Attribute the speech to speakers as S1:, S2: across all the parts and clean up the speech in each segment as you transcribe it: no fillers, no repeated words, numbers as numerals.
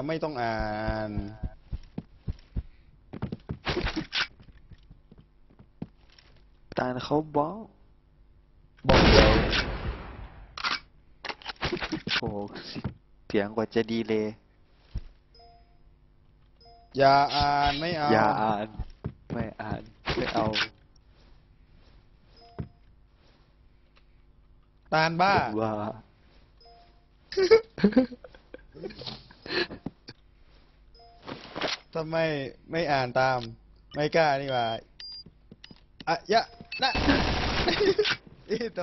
S1: ไม่ต้องอ่าน
S2: ตาลเขาบอก
S1: เดี๋ยว
S2: โอ้เสียงกว่าจะดีเลย
S1: อย่าอ่านไม่เอา
S2: อย่าอ่านไม่อ่านไม่เอา
S1: ตาลบ้า
S2: ว่า
S1: ทำไมไม่อ่านตามไม่กล้านี่หว่าอะยะนะอีโต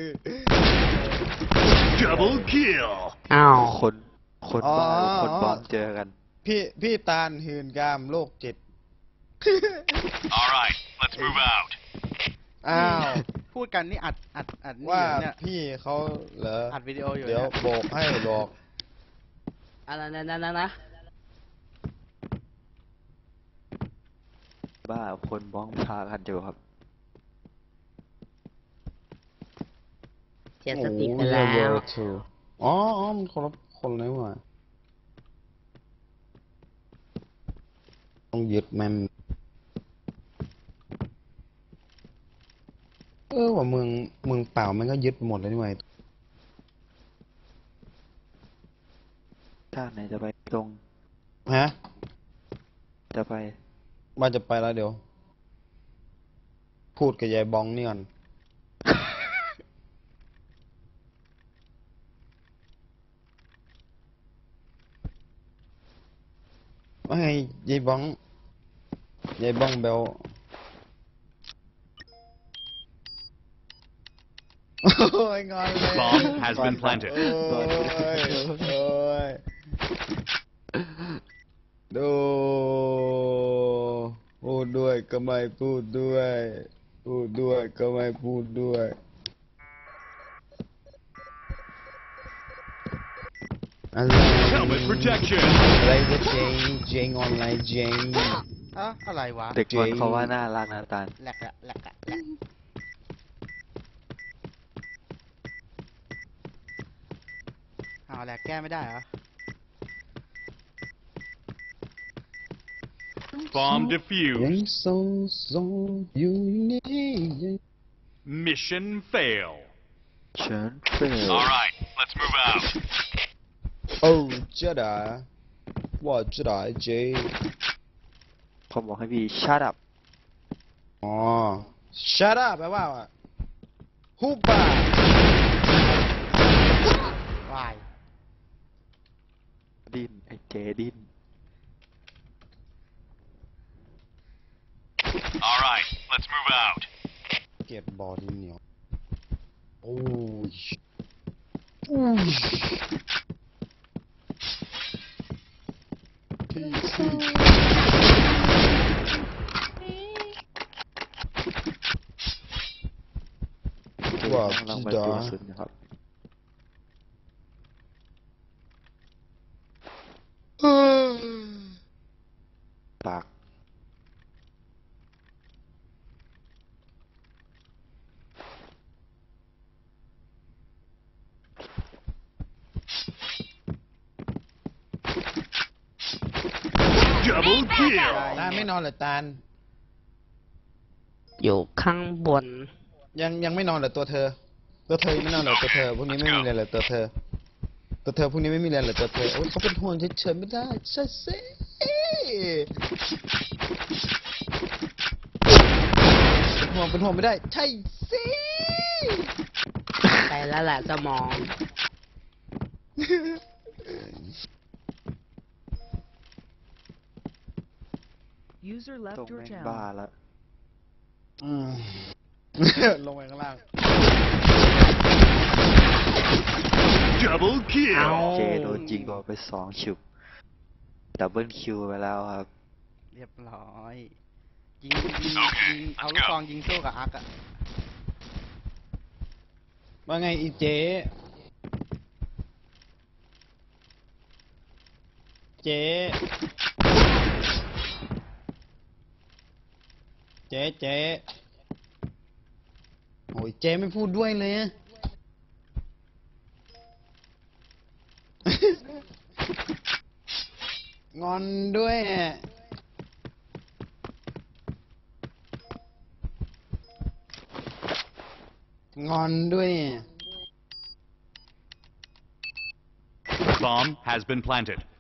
S3: Double kill
S4: อ้าว
S2: คนบ้าคนบอมเจอกัน
S1: พี่ตาลหื่นกามโรคจิต
S3: All right let's move out
S1: อ้าว
S4: พูดกันนี่อัดนี่
S1: ว่า
S4: เนี่ย
S1: พี่เขาเหรอ
S4: อัดวิดีโออยู่
S1: เดี๋ยว
S4: เนี่ย
S1: บอกให้บอก
S4: อะไรนะ
S2: บ้าคนบ้องพากันอยู่ครับ
S4: เสียสติไปแล้ว
S1: อ๋อมันคนละคนเลยว่ะต้องยึดแมมว่าเมืองเปล่ามันก็ยึดไปหมดเลยนี่หว่า
S2: ถ้าไหนจะไปตรง
S1: ฮะ
S2: จะไป
S1: ว่าจะไปแล้วเดี๋ยว พูดกับยายบองนี่ก่อนว่าไงยายบองเบลโอ้ยงอนเลย
S3: Bomb has been planted
S1: โอ้ยดูพูดด้วยก็ไม่พูดด้วยพูดด้วยก็ไม่พูดด้วยอะไร
S3: Helmet protection
S1: อะไรก็เจงออนไลน์เจง
S4: อะไรวะ
S2: เด็กมันเขาว่าน่ารักนะตาล
S4: แหลกเอาแหลกแก้ไม่ได้เหรอ
S3: Bomb
S1: ยัง
S3: defused
S1: ทรงอยู่นี่
S3: Mission fail
S2: เชิญเฟล
S3: All right let's move out
S1: โอ้จะได้ว่าจะได้เจ
S2: เขาบอกให้พี่ shut up
S1: อ๋อ shut up แปลว่าฮุบป่าว
S4: าย
S2: ดิ้นไอ้เจดิ้น
S3: All right let's move out
S1: เกลียดบอดี้เหนียวโอ้ยที่ว่า
S2: กำลัง
S1: พี่
S2: ไป
S1: ดา
S2: ดูสุดนะครับ ปาก
S3: Double kill
S1: ตาลไม่นอนเหรอตาล
S4: อยู่ข้างบน
S1: ยังไม่นอนเหรอตัวเธอยังไม่นอนเหรอตัวเธอพวกนี้ไม่มีอะไรเหรอตัวเธอพวกนี้ไม่มีอะไรเหรอตัวเธอโอ้ยเขาเป็นห่วงเฉยๆไม่ได้ใช่สิเป็นห่วงไม่ได้ใช่สิ
S4: ไปแล้วแหละสมอง
S5: User
S2: ตร
S5: left
S2: ง
S5: your
S2: แม่ง
S5: channel.
S2: บ้าแล้ว
S1: ลงไปข้างล่าง
S3: Double
S4: เอา
S3: kill
S2: เจโดนยิงโดนไป2คิวดับเบิลคิวไปแล้วครับ
S4: เรียบร้อยยิงเอาลูกซองยิงสู้กับอาร์คอะ
S1: ว่าไงอีเจ๊โอ้ยเจ๊ไม่พูดด้วยเลยอะงอนด้วยอะงอนด้วยอะ
S3: Bomb has been planted.